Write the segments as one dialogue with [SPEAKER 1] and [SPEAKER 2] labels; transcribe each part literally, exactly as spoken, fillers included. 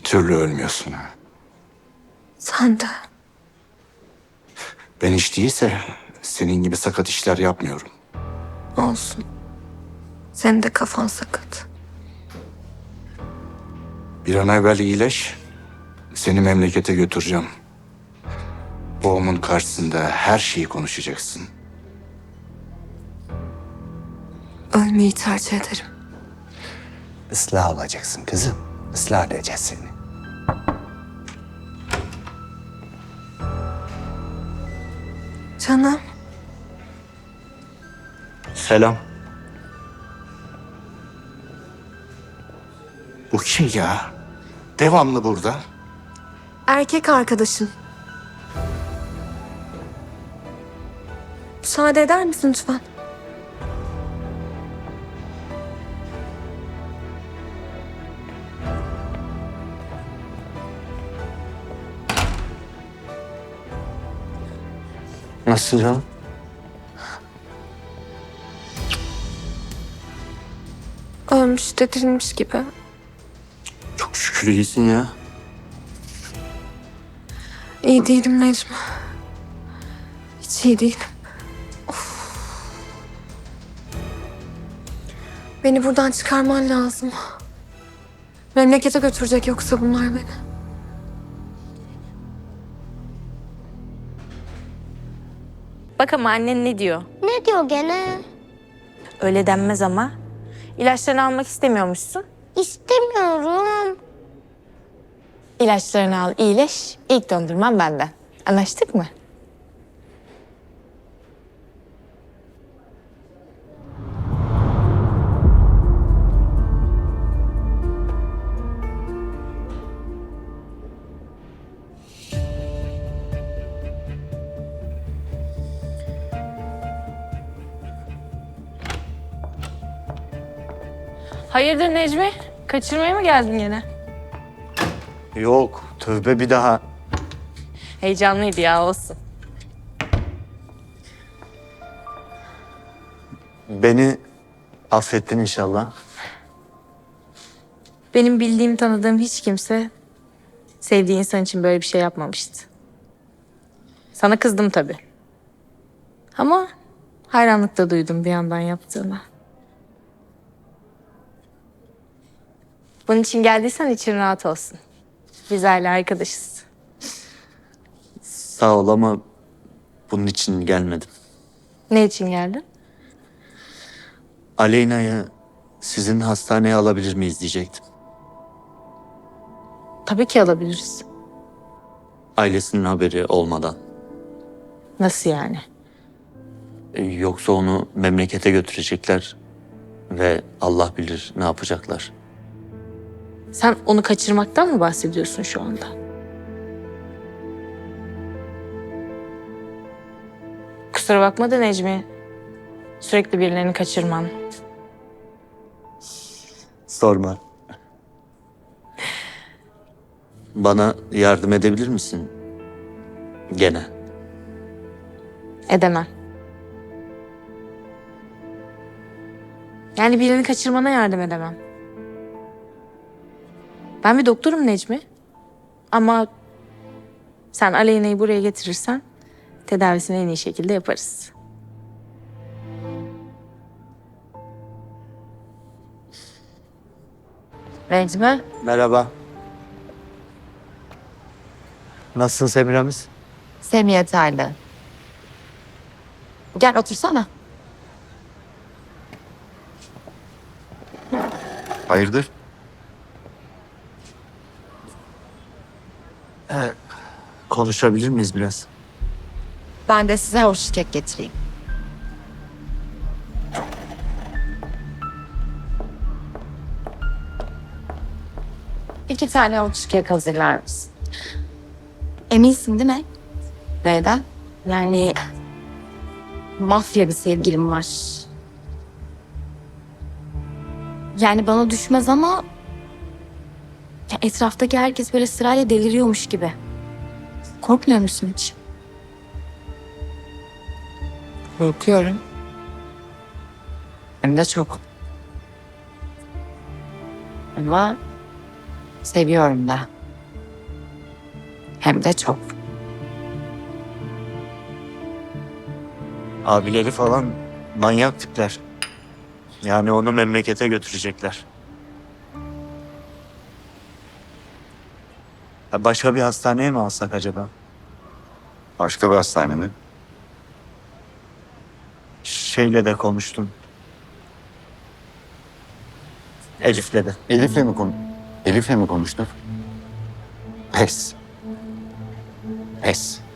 [SPEAKER 1] türlü ölmüyorsun ha.
[SPEAKER 2] Sen de.
[SPEAKER 1] Ben hiç değilse senin gibi sakat işler yapmıyorum.
[SPEAKER 2] Olsun. Senin de kafan sakat.
[SPEAKER 1] Bir an evvel iyileş. Seni memlekete götüreceğim. Babamın karşısında her şeyi konuşacaksın.
[SPEAKER 2] Ölmeyi tercih ederim.
[SPEAKER 1] Islah olacaksın kızım. Islah edeceğiz seni.
[SPEAKER 2] Canım.
[SPEAKER 1] Selam. Bu kim ya? Devamlı burada.
[SPEAKER 2] Erkek arkadaşın. Müsaade eder misin lütfen?
[SPEAKER 1] Nasıl canım?
[SPEAKER 2] Ölmüş, dedirilmiş gibi.
[SPEAKER 1] Çok şükür iyisin ya.
[SPEAKER 2] İyi değilim Necmi. Hiç iyi değilim. Of. Beni buradan çıkarman lazım. Memlekete götürecek yoksa bunlar beni.
[SPEAKER 3] Bak ama annen ne diyor?
[SPEAKER 4] Ne diyor gene?
[SPEAKER 3] Öyle denmez ama. İlaçlarını almak istemiyormuşsun.
[SPEAKER 4] İstemiyorum.
[SPEAKER 3] İlaçlarını al, iyileş. İlk dondurman benden. Anlaştık mı? Hayırdır Necmi? Kaçırmaya mı geldin gene?
[SPEAKER 5] Yok, tövbe bir daha.
[SPEAKER 3] Heyecanlıydı ya, olsun.
[SPEAKER 5] Beni affettin inşallah.
[SPEAKER 3] Benim bildiğim, tanıdığım hiç kimse sevdiği insan için böyle bir şey yapmamıştı. Sana kızdım tabii. Ama hayranlık da duydum bir yandan yaptığına. Bunun için geldiysen için rahat olsun. Biz hala arkadaşız.
[SPEAKER 5] Sağ ol ama bunun için gelmedim.
[SPEAKER 3] Ne için geldin?
[SPEAKER 5] Aleyna'yı sizin hastaneye alabilir miyiz diyecektim.
[SPEAKER 3] Tabii ki alabiliriz.
[SPEAKER 5] Ailesinin haberi olmadan.
[SPEAKER 3] Nasıl yani?
[SPEAKER 5] E, Yoksa onu memlekete götürecekler ve Allah bilir ne yapacaklar.
[SPEAKER 3] Sen onu kaçırmaktan mı bahsediyorsun şu anda? Kusura bakma da Necmi. Sürekli birilerini kaçırman.
[SPEAKER 5] Sorma. Bana yardım edebilir misin? Gene.
[SPEAKER 3] Edemem. Yani birini kaçırmana yardım edemem. Ben bir doktorum Necmi. Ama sen Aleyna'yı buraya getirirsen tedavisini en iyi şekilde yaparız. Necmi?
[SPEAKER 5] Merhaba. Nasılsın Semiramis?
[SPEAKER 6] Semih yeterli. Gel otursana.
[SPEAKER 1] Hayırdır?
[SPEAKER 5] Konuşabilir miyiz biraz?
[SPEAKER 6] Ben de size hoş kek getireyim. İki tane hoş kek hazırlar mısın? Eminsin değil mi? Neden? Yani mafya bir sevgilim var. Yani bana düşmez ama ya etraftaki herkes böyle sırayla deliriyormuş gibi. Korkmuyor musun hiç? Korkuyorum. Hem de çok. Ama seviyorum da. Hem de çok.
[SPEAKER 5] Abileri falan manyak tipler. Yani onu memlekete götürecekler. Ya başka bir hastaneye mi alsak acaba?
[SPEAKER 7] Başka bir hastane mi?
[SPEAKER 5] Şeyle de konuştum. Elif'le de.
[SPEAKER 7] Elif'le mi konu? Elif'le mi konuştun? Pes. Pes.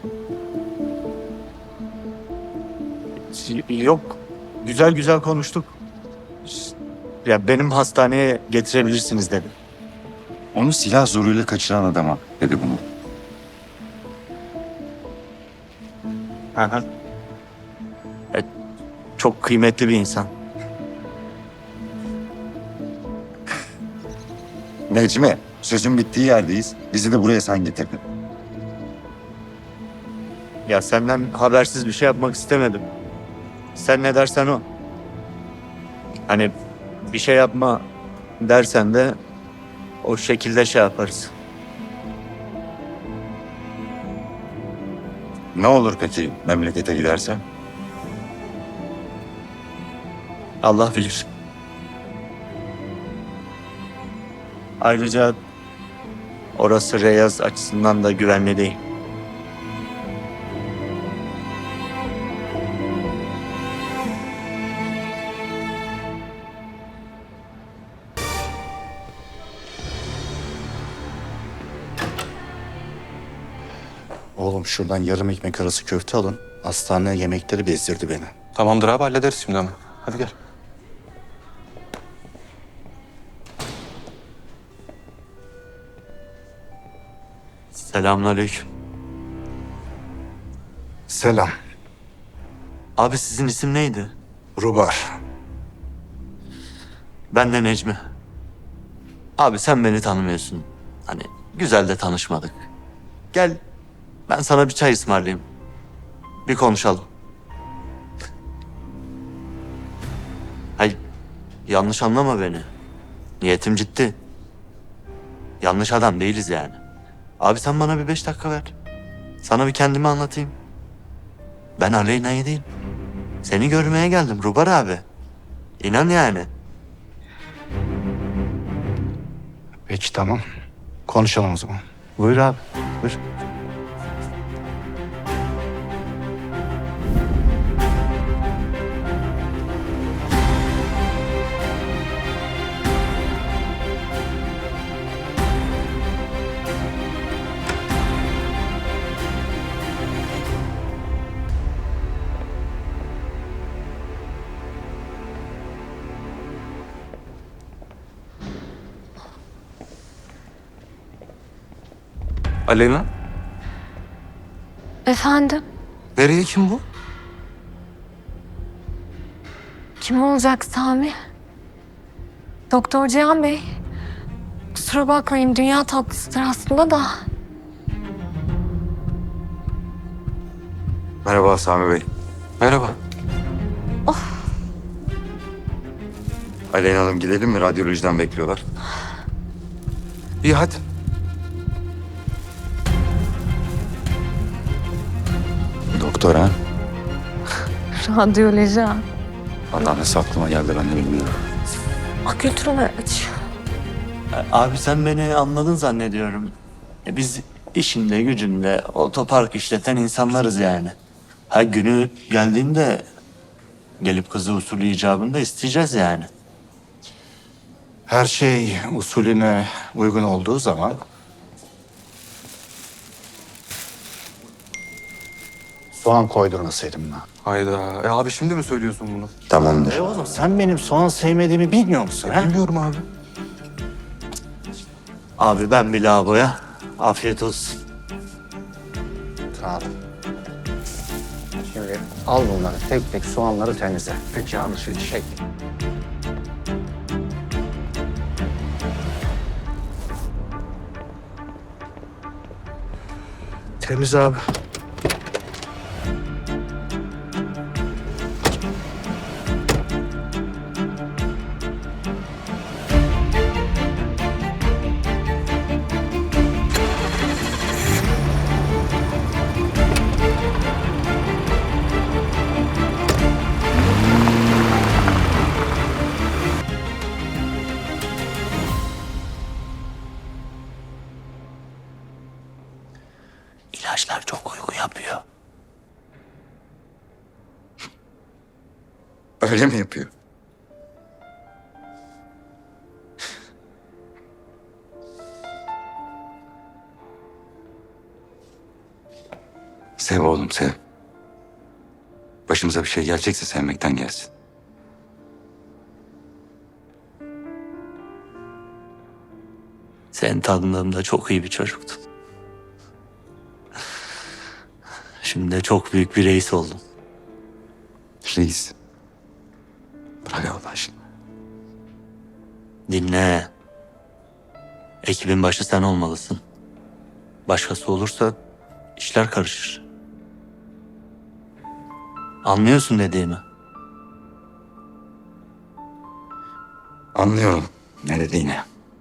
[SPEAKER 5] Yok. Güzel güzel konuştuk. Ya benim hastaneye getirebilirsiniz dedi.
[SPEAKER 7] Onu silah zoruyla kaçıran adama dedi bunu.
[SPEAKER 5] Hı hı. E, çok kıymetli bir insan.
[SPEAKER 7] Necmi, sözün bittiği yerdeyiz. Bizi de buraya sen getirdin.
[SPEAKER 5] Ya senden habersiz bir şey yapmak istemedim. Sen ne dersen o. Hani bir şey yapma dersen de o şekilde şey yaparız.
[SPEAKER 7] Ne olur peki memlekete gidersen?
[SPEAKER 5] Allah bilir. Ayrıca orası Reyaz açısından da güvenli değil.
[SPEAKER 1] Oğlum şuradan yarım ekmek arası köfte alın. Hastane yemekleri bezdirdi beni.
[SPEAKER 8] Tamamdır abi hallederiz şimdi hemen. Hadi gel.
[SPEAKER 5] Selamünaleyküm.
[SPEAKER 1] Selam.
[SPEAKER 5] Abi sizin isim neydi?
[SPEAKER 1] Rubar.
[SPEAKER 5] Ben de Necmi. Abi sen beni tanımıyorsun. Hani güzel de tanışmadık. Gel ben sana bir çay ısmarlayayım. Bir konuşalım. Hayır yanlış anlama beni. Niyetim ciddi. Yanlış adam değiliz yani. Abi sen bana bir beş dakika ver. Sana bir kendimi anlatayım. Ben Aleyna'yı değil. Seni görmeye geldim Rubar abi. İnan yani.
[SPEAKER 1] Peki tamam. Konuşalım o zaman.
[SPEAKER 5] Buyur abi. Buyur.
[SPEAKER 8] Aleyna.
[SPEAKER 2] Efendim?
[SPEAKER 8] Nereye kim bu?
[SPEAKER 2] Kim olacak Sami? Doktor Cihan Bey. Kusura bakmayın dünya tatlısıdır aslında da.
[SPEAKER 7] Merhaba Sami Bey.
[SPEAKER 8] Merhaba.
[SPEAKER 7] Aleyna Hanım gidelim mi? Radyolojiden bekliyorlar.
[SPEAKER 8] İyi hadi.
[SPEAKER 7] Doktor ha?
[SPEAKER 3] Radyoloji ha.
[SPEAKER 7] Allah nasıl aklıma geldi ben de bilmiyorum.
[SPEAKER 2] Ah götürün aç.
[SPEAKER 5] Abi sen beni anladın zannediyorum. E biz işinde gücünde otopark işleten insanlarız yani. Ha günü geldiğinde gelip kızı usulü icabında isteyeceğiz yani.
[SPEAKER 1] Her şey usulüne uygun olduğu zaman soğan koydurmasaydım ben.
[SPEAKER 8] Hayda. E abi şimdi mi söylüyorsun bunu?
[SPEAKER 7] Tamamdır.
[SPEAKER 1] E oğlum sen benim soğan sevmediğimi bilmiyor musun? Ha?
[SPEAKER 8] Bilmiyorum abi.
[SPEAKER 5] Abi ben bir lavaboya. Afiyet olsun.
[SPEAKER 1] Sağ ol. Şimdi al bunları tek tek soğanları temizle. Peki anlaşıldı şey.
[SPEAKER 5] Temiz abi. İlaçlar çok uyku yapıyor.
[SPEAKER 1] Öyle mi yapıyor? Sev oğlum sev. Başımıza bir şey gelecekse sevmekten gelsin.
[SPEAKER 5] Senin tanıdığımda çok iyi bir çocuktun. Şimdi de çok büyük bir reis oldun.
[SPEAKER 1] Reis. Bırak Allah aşkına.
[SPEAKER 5] Dinle. Ekibin başı sen olmalısın. Başkası olursa işler karışır. Anlıyorsun dediğimi.
[SPEAKER 1] Anlıyorum ne dediğini.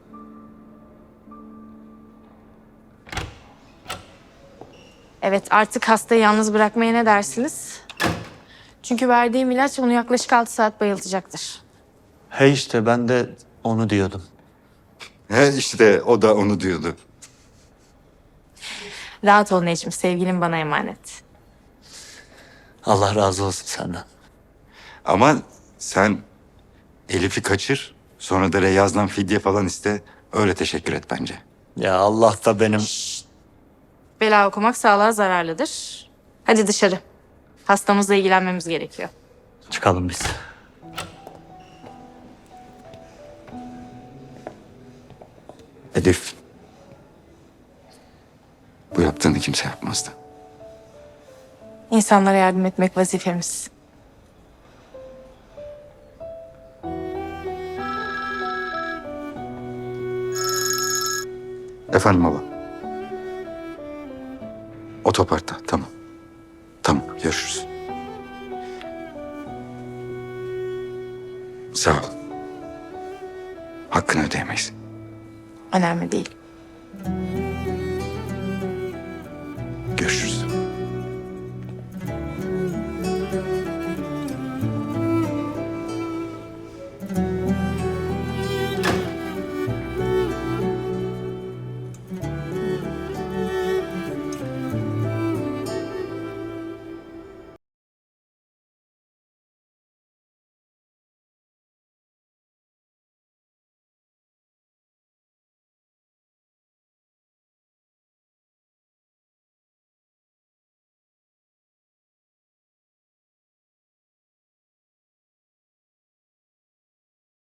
[SPEAKER 3] Evet, artık hastayı yalnız bırakmaya ne dersiniz? Çünkü verdiğim ilaç onu yaklaşık altı saat bayıltacaktır.
[SPEAKER 5] He işte ben de onu diyordum.
[SPEAKER 1] He işte o da onu diyordu.
[SPEAKER 3] Rahat ol Necmi, sevgilim bana emanet.
[SPEAKER 5] Allah razı olsun senden.
[SPEAKER 1] Ama sen Elif'i kaçır. Sonra da Reyaz'dan fidye falan iste. Öyle teşekkür et bence.
[SPEAKER 5] Ya Allah da benim...
[SPEAKER 3] Bela okumak sağlığa zararlıdır. Hadi dışarı. Hastamızla ilgilenmemiz gerekiyor.
[SPEAKER 5] Çıkalım biz.
[SPEAKER 1] Elif. Bu yaptığını kimse yapmazdı.
[SPEAKER 3] İnsanlara yardım etmek vazifemiz.
[SPEAKER 1] Efendim baba. Otoparkta tamam. Tamam görüşürüz. Sağ ol. Hakkını ödeyemeyiz.
[SPEAKER 3] Önemli değil.